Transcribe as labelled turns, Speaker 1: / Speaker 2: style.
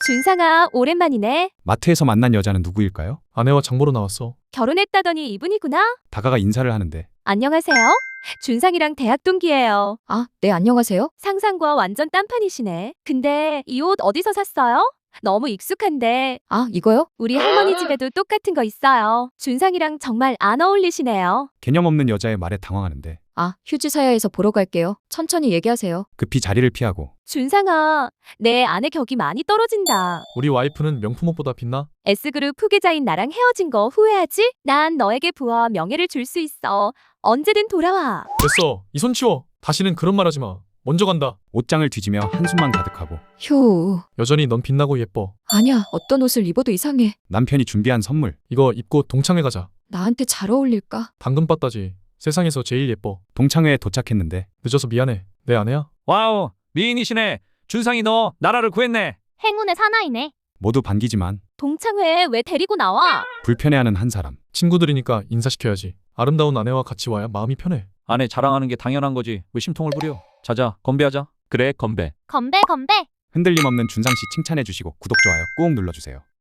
Speaker 1: 준상아, 오랜만이네.
Speaker 2: 마트에서 만난 여자는 누구일까요?
Speaker 3: 아내와 장 보러 나왔어.
Speaker 1: 결혼했다더니 이분이구나.
Speaker 2: 다가가 인사를 하는데
Speaker 1: 안녕하세요. 준상이랑 대학 동기예요.
Speaker 4: 아, 네, 안녕하세요.
Speaker 1: 상상과 완전 딴판이시네. 근데 이 옷 어디서 샀어요? 너무 익숙한데.
Speaker 4: 아, 이거요?
Speaker 1: 우리 할머니 집에도 똑같은 거 있어요. 준상이랑 정말 안 어울리시네요.
Speaker 2: 개념 없는 여자의 말에 당황하는데
Speaker 4: 아, 휴지 사야에서 보러 갈게요. 천천히 얘기하세요.
Speaker 2: 급히 자리를 피하고
Speaker 1: 준상아, 내 아내 격이 많이 떨어진다.
Speaker 3: 우리 와이프는 명품 옷보다 빛나?
Speaker 1: S그룹 후계자인 나랑 헤어진 거 후회하지? 난 너에게 부와 명예를 줄 수 있어. 언제든 돌아와.
Speaker 3: 됐어. 이 손 치워. 다시는 그런 말 하지 마. 먼저 간다.
Speaker 2: 옷장을 뒤지며 한숨만 가득하고
Speaker 4: 휴.
Speaker 3: 여전히 넌 빛나고 예뻐.
Speaker 4: 아니야, 어떤 옷을 입어도 이상해.
Speaker 2: 남편이 준비한 선물
Speaker 3: 이거 입고 동창회 가자.
Speaker 4: 나한테 잘 어울릴까?
Speaker 3: 당근바따지. 세상에서 제일 예뻐.
Speaker 2: 동창회에 도착했는데
Speaker 3: 늦어서 미안해. 내 아내야?
Speaker 5: 와우, 미인이시네. 준상이 너 나라를 구했네.
Speaker 6: 행운의 사나이네.
Speaker 2: 모두 반기지만
Speaker 1: 동창회 왜 데리고 나와?
Speaker 2: 불편해하는 한 사람.
Speaker 3: 친구들이니까 인사시켜야지. 아름다운 아내와 같이 와야 마음이 편해.
Speaker 5: 아내 자랑하는 게 당연한 거지. 왜 심통을 부려? 자자, 건배하자. 그래, 건배.
Speaker 6: 건배 건배.
Speaker 2: 흔들림 없는 준상 씨 칭찬해 주시고 구독 좋아요 꾹 눌러주세요.